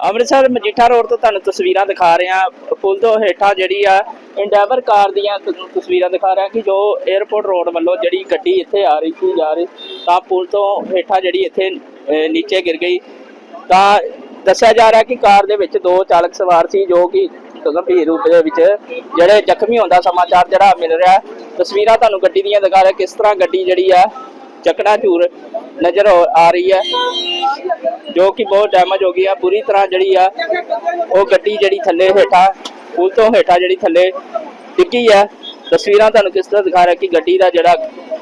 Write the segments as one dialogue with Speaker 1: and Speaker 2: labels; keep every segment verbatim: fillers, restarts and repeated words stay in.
Speaker 1: Amritsar Majitha road ਤੋਂ ਤੁਹਾਨੂੰ ਤਸਵੀਰਾਂ ਦਿਖਾ ਰਹੇ ਹਾਂ। ਪੁਲ ਤੋਂ ਹੇਠਾਂ ਜਿਹੜੀ ਆ ਇੰਡੈਵਰ ਕਾਰ ਦੀਆਂ ਤਸਵੀਰਾਂ ਦਿਖਾ ਰਿਹਾ ਕਿ ਜੋ 에ਅਰਪੋਰਟ ਰੋਡ ਵੱਲੋਂ ਜਿਹੜੀ ਗੱਡੀ ਇੱਥੇ ਆ ਰਹੀ ਸੀ ਜਾ ਰਹੀ ਤਾਂ ਪੁਲ ਤੋਂ ਹੇਠਾਂ ਜਿਹੜੀ ਇੱਥੇ ਨੀਚੇ ਗਿਰ ਗਈ। ਤਾਂ ਦੱਸਿਆ ਜਾ ਰਿਹਾ ਕਿ ਕਾਰ ਦੇ ਵਿੱਚ ਦੋ ਚਾਲਕ ਸਵਾਰ ਸੀ ਜੋ ਕਿ ਗੰਭੀਰ ਰੂਪ ਦੇ ਵਿੱਚ ਜਿਹੜੇ ਜ਼ਖਮੀ ਹੋਣ ਦਾ ਸਮਾਚਾਰ ਜਿਹੜਾ ਮਿਲ ਰਿਹਾ। ਤਸਵੀਰਾਂ ਤੁਹਾਨੂੰ ਗੱਡੀ ਦੀਆਂ ਦਿਖਾ ਰਿਹਾ ਕਿਸ ਤਰ੍ਹਾਂ ਗੱਡੀ ਜਿਹੜੀ ਆ ਚਕਨਾਚੂਰ ਨਜ਼ਰ ਆ ਰਹੀ ਹੈ ਜੋ ਕਿ ਬਹੁਤ ਡੈਮੇਜ ਹੋ ਗਈ ਆ ਪੂਰੀ ਤਰ੍ਹਾਂ ਜਿਹੜੀ ਆ ਉਹ ਗੱਡੀ ਜਿਹੜੀ ਥੱਲੇ ਹੇਠਾਂ ਪੁਲ ਤੋਂ ਹੇਠਾਂ ਜਿਹੜੀ ਥੱਲੇ ਡਿੱਗੀ ਆ। ਤਸਵੀਰਾਂ ਤੁਹਾਨੂੰ ਕਿਸ ਤਰ੍ਹਾਂ ਦਿਖਾ ਰਿਹਾ ਕਿ ਗੱਡੀ ਦਾ ਜਿਹੜਾ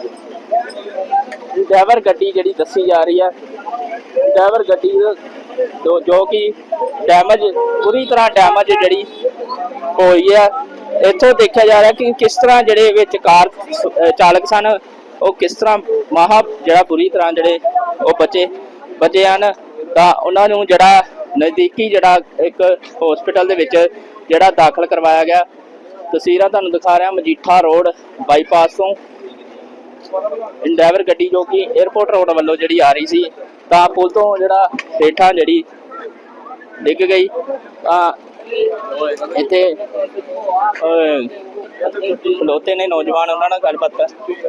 Speaker 1: ਡਰਾਈਵਰ ਗੱਡੀ ਜਿਹੜੀ ਦੱਸੀ ਜਾ ਰਹੀ ਆ ਡਰਾਈਵਰ ਗੱਡੀ ਜੋ ਜੋ ਕਿ ਡੈਮੇਜ ਪੂਰੀ ਤਰ੍ਹਾਂ ਡੈਮੇਜ ਜਿਹੜੀ ਹੋਈ ਆ। ਇੱਥੋਂ ਦੇਖਿਆ ਜਾ ਰਿਹਾ ਕਿ ਕਿਸ ਤਰ੍ਹਾਂ ਜਿਹੜੇ ਵਿੱਚ ਕਾਰ ਚਾਲਕ ਸਨ ਉਹ ਕਿਸ ਤਰ੍ਹਾਂ ਮਾਹਾ ਜਿਹੜਾ ਪੂਰੀ ਤਰ੍ਹਾਂ ਜਿਹੜੇ ਉਹ ਬਚੇ ਬਚੇ ਹਨ। ਤਾਂ ਉਹਨਾਂ ਨੂੰ ਜਿਹੜਾ ਨਜ਼ਦੀਕੀ ਜਿਹੜਾ ਇੱਕ ਹਸਪੀਟਲ ਦੇ ਵਿੱਚ ਜਿਹੜਾ ਦਾਖਲ ਕਰਵਾਇਆ ਗਿਆ। ਤਸਵੀਰਾਂ ਤੁਹਾਨੂੰ ਦਿਖਾ ਰਿਹਾ ਮਜੀਠਾ ਰੋਡ ਬਾਈਪਾਸ ਤੋਂ ਇੰਡੈਵਰ ਗੱਡੀ ਜੋ ਕਿ 에ਅਰਪੋਰਟ ਰੋਡ ਵੱਲੋਂ ਜਿਹੜੀ ਆ ਰਹੀ ਸੀ ਤਾਂ ਪੁਲ ਤੋਂ ਜਿਹੜਾ ਹੇਠਾਂ ਜਿਹੜੀ ਡਿੱਗ ਗਈ। ਤਾਂ ਇੱਥੇ ਖਲੋਤੇ ਨੇ ਨੌਜਵਾਨ ਉਹਨਾਂ ਨਾਲ ਗੱਲਬਾਤ ਕਰ।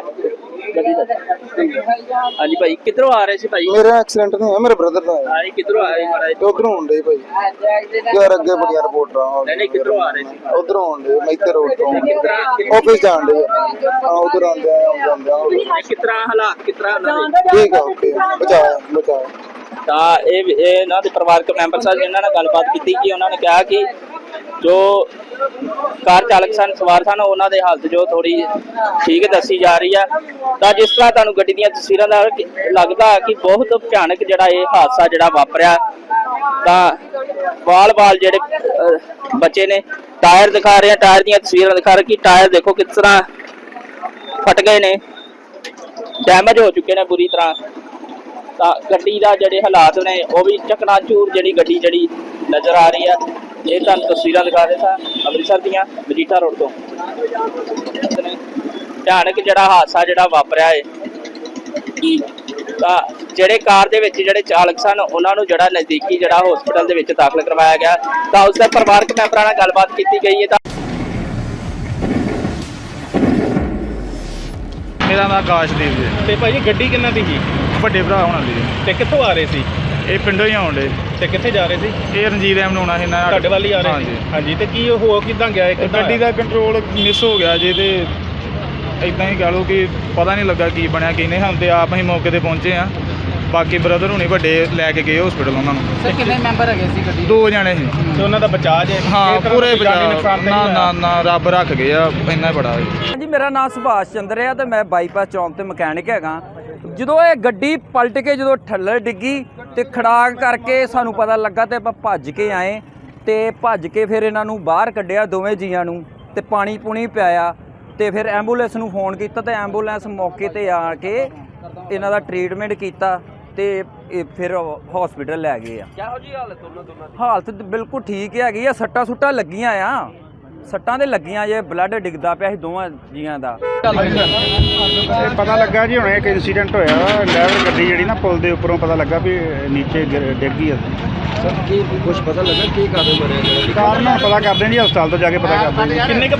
Speaker 1: ਹਾਂਜੀ ਭਾਈ ਕਿੱਧਰੋਂ ਆ ਰਹੇ ਸੀ ਭਾਈ?
Speaker 2: ਮੇਰਾ ਐਕਸੀਡੈਂਟ ਨਹੀਂ ਹੋਇਆ, ਮੇਰੇ ਬ੍ਰਦਰ ਦਾ ਹੋਇਆ।
Speaker 1: ਹਾਂ ਕਿੱਧਰੋਂ ਆ ਰਹੇ ਮਾੜਾ ਜਿਹਾ?
Speaker 2: ਉਧਰੋਂ ਹੁੰਦੇ ਭਾਈ ਯਾਰ ਅੱਗੇ ਬੜੀਆਂ ਰਿਪੋਰਟਾਂ।
Speaker 1: ਨਹੀਂ ਨਹੀਂ ਕਿੱਧਰੋਂ ਆ ਰਹੇ ਸੀ?
Speaker 2: ਉਧਰੋਂ ਹੁੰਦੇ ਮੈਥੇ ਰੋਡ ਤੋਂ ਆਫਿਸ ਜਾਣ ਦੇ। ਹਾਂ ਉਧਰ ਆਉਂਦੇ ਆ ਜਾਂਦੇ ਆ।
Speaker 1: ਕਿਸ ਤਰ੍ਹਾਂ ਹਾਲਾਤ ਕਿਸ ਤਰ੍ਹਾਂ ਉਹਨਾਂ ਦੇ?
Speaker 2: ਠੀਕ ਆ ਓਕੇ ਬਚਾਇਆ ਬਚਾਇਆ।
Speaker 1: ਤਾਂ ਇਹ ਇਹ ਇਹਨਾਂ ਦੇ ਪਰਿਵਾਰਕ ਮੈਂਬਰ ਸਾਹਿਬ ਇਹਨਾਂ ਨਾਲ ਗੱਲਬਾਤ ਕੀਤੀ ਕਿ ਉਹਨਾਂ ਨੇ ਕਿਹਾ ਕਿ ਜੋ ਕਾਰ ਚਾਲਕ ਸਨ ਸਵਾਰ ਸਨ ਉਹਨਾਂ ਦੇ ਹਾਲਤ ਜੋ ਥੋੜੀ ਠੀਕ ਦੱਸੀ ਜਾ ਰਹੀ ਆ। ਤਾਂ ਜਿਸ ਤਰ੍ਹਾਂ ਤੁਹਾਨੂੰ ਗੱਡੀ ਦੀਆਂ ਤਸਵੀਰਾਂ ਦਾ ਲੱਗਦਾ ਕਿ ਬਹੁਤ ਭਿਆਨਕ ਜਿਹੜਾ ਇਹ ਹਾਦਸਾ ਜਿਹੜਾ ਵਾਪਰਿਆ। ਤਾਂ ਵਾਲ ਵਾਲ ਜਿਹੜੇ ਬੱਚੇ ਨੇ ਟਾਇਰ ਦਿਖਾ ਰਹੇ ਆ ਟਾਇਰ ਦੀਆਂ ਤਸਵੀਰਾਂ ਦਿਖਾ ਰਹੇ ਕਿ ਟਾਇਰ ਦੇਖੋ ਕਿਸ ਤਰ੍ਹਾਂ ਫਟ ਗਏ ਨੇ ਡੈਮੇਜ ਹੋ ਚੁੱਕੇ ਨੇ ਬੁਰੀ ਤਰ੍ਹਾਂ। ਤਾਂ ਗੱਡੀ ਦਾ ਜਿਹੜੇ ਹਾਲਾਤ ਨੇ ਉਹ ਵੀ ਚਕਨਾਚੂਰ ਜਿਹੜੀ ਗੱਡੀ ਜਿਹੜੀ ਨਜ਼ਰ ਆ ਰਹੀ ਆ। ਇਹ ਤੁਹਾਨੂੰ ਤਸਵੀਰਾਂ ਦਿਖਾ ਰਹੇ ਸਾਂ ਅੰਮ੍ਰਿਤਸਰ ਦੀਆਂ ਮਜੀਠਾ ਰੋਡ ਤੋਂ। ਭਿਆਨਕ ਜਿਹੜਾ ਹਾਦਸਾ ਜਿਹੜਾ ਵਾਪਰਿਆ ਹੈ। ਤਾਂ ਜਿਹੜੇ ਕਾਰ ਦੇ ਵਿੱਚ ਜਿਹੜੇ ਚਾਲਕ ਸਨ ਉਹਨਾਂ ਨੂੰ ਜਿਹੜਾ ਨਜ਼ਦੀਕੀ ਜਿਹੜਾ ਹਸਪੀਟਲ ਦੇ ਵਿੱਚ ਦਾਖਲ ਕਰਵਾਇਆ ਗਿਆ। ਤਾਂ ਉਸ ਦੇ ਪਰਿਵਾਰਕ ਮੈਂਬਰਾਂ ਨਾਲ ਗੱਲਬਾਤ ਕੀਤੀ ਗਈ ਹੈ। ਤਾਂ
Speaker 3: ਮੇਰਾ ਨਾਮ ਆਕਾਸ਼ਦੀਪ ਜੀ।
Speaker 4: ਤੇ ਭਾਜੀ ਗੱਡੀ ਕਿੰਨਾ ਦੀ ਸੀ?
Speaker 3: ਵੱਡੇ ਭਰਾ ਹੋਣਾ ਦੀ।
Speaker 4: ਤੇ ਕਿੱਥੋਂ ਆ ਰਹੇ ਸੀ?
Speaker 3: ਇਹ ਪਿੰਡੋਂ ਹੀ ਆਉਂਦੇ।
Speaker 4: ਤੇ ਕਿੱਥੇ ਜਾ ਰਹੇ ਸੀ?
Speaker 3: ਇਹ ਰਣਜੀਤ ਐਮ ਨੂੰ ਆਉਣਾ ਸੀ ਨਾ
Speaker 4: ਤੁਹਾਡੇ ਵੱਲ ਹੀ ਆ ਰਹੇ ਸੀ? ਹਾਂਜੀ। ਤੇ ਕੀ ਹੋ ਕਿੱਦਾਂ ਗਿਆ? ਇੱਕ
Speaker 3: ਗੱਡੀ ਦਾ ਕੰਟਰੋਲ ਮਿਸ ਹੋ ਗਿਆ ਜੇ ਤੇ ਇਦਾਂ ਹੀ ਕਹਿ ਲਓ ਕਿ ਪਤਾ ਨਹੀਂ ਲੱਗਾ ਕੀ ਬਣਿਆ ਕੀ ਨਹੀਂ। ਹੁਣ ਤੇ ਆਪ ਅਸੀਂ ਮੌਕੇ ਤੇ ਪਹੁੰਚੇ ਆ। ਬਾਕੀ ਬ੍ਰਦਰ ਹੁਣੀ ਵੱਡੇ ਲੈ ਕੇ ਗਏ ਹਸਪੀਟਲ ਉਹਨਾਂ ਨੂੰ।
Speaker 5: ਸਰ ਕਿੰਨੇ ਮੈਂਬਰ ਹੈਗੇ ਸੀ ਗੱਡੀ?
Speaker 3: ਦੋ ਜਣੇ ਸੀ।
Speaker 4: ਤੇ ਉਹਨਾਂ ਦਾ ਬਚਾਅ ਜੇ?
Speaker 3: ਹਾਂ ਪੂਰੇ ਬਚਾਅ। ਨਾ ਨਾ ਨਾ ਰੱਬ ਰੱਖ ਗਏ ਆ ਇੰਨਾ ਬੜਾ।
Speaker 5: ਹਾਂਜੀ ਮੇਰਾ ਨਾਮ ਸੁਭਾਸ਼ ਚੰਦਰ ਹੈ ਤੇ ਮੈਂ ਬਾਈਪਾਸ ਚੌਂਕ ਤੇ ਮਕੈਨਿਕ ਹੈਗਾ। ਜਦੋਂ ਇਹ ਗੱਡੀ ਪਲਟ ਕੇ ਜਦੋਂ ਥੱਲੇ ਡਿੱਗੀ ਤੇ ਖੜਾਕ ਕਰਕੇ ਸਾਨੂੰ ਪਤਾ ਲੱਗਾ ਤੇ ਆਪਾਂ ਭੱਜ ਕੇ ਆਏ ਤੇ ਭੱਜ ਕੇ ਫਿਰ ਇਹਨਾਂ ਨੂੰ ਬਾਹਰ ਕੱਢਿਆ ਦੋਵੇਂ ਜੀਆਂ ਨੂੰ ਤੇ ਪਾਣੀ ਪੂਣੀ ਪਿਆਇਆ ਤੇ ਫਿਰ ਐਂਬੂਲੈਂਸ ਨੂੰ ਫੋਨ ਕੀਤਾ ਤੇ ਐਂਬੂਲੈਂਸ ਮੌਕੇ ਤੇ ਆ ਕੇ ਇਹਨਾਂ ਦਾ ਟ੍ਰੀਟਮੈਂਟ ਕੀਤਾ ਤੇ ਇਹ ਫਿਰ ਹਸਪੀਟਲ ਲੈ ਗਏ ਆ।
Speaker 1: ਕਿਹੋ ਜੀ ਹਾਲਤ ਉਹਨਾਂ ਦੋਨਾਂ ਦੀ?
Speaker 5: ਹਾਲਤ ਬਿਲਕੁਲ ਠੀਕ ਹੈਗੀ ਆ। ਸੱਟਾਂ ਸੁੱਟਾਂ ਲੱਗੀਆਂ ਆ ਸੱਟਾਂ ਦੇ ਲੱਗੀਆਂ ਜੇ ਬਲੱਡ ਡਿੱਗਦਾ ਪਿਆ ਸੀ ਦੋਵਾਂ ਜੀਆਂ ਦਾ।
Speaker 6: ਇਹ ਪਤਾ ਲੱਗਾ ਜੀ ਹੁਣ ਇੱਕ ਇਨਸੀਡੈਂਟ ਹੋਇਆ ਵਾ ਡਰਾਈਵਰ ਗੱਡੀ ਜਿਹੜੀ ਨਾ ਪੁਲ ਦੇ ਉੱਪਰੋਂ ਪਤਾ ਲੱਗਾ ਵੀ ਨੀਚੇ ਡਿੱਗ ਗਈ ਆ।
Speaker 2: ਸਰ ਕੀ ਕੁਝ ਪਤਾ ਲੱਗਾ ਕੀ ਕਾਰਨ ਬਣਿਆ?
Speaker 6: ਕਾਰਨ ਹੁਣ ਪਤਾ ਕਰਦੇ ਜੀ ਹਸਪਤਾਲ ਤੋਂ ਜਾ ਕੇ ਪਤਾ ਕਰਦੇ ਜੀ।
Speaker 4: ਕਿੰਨੇ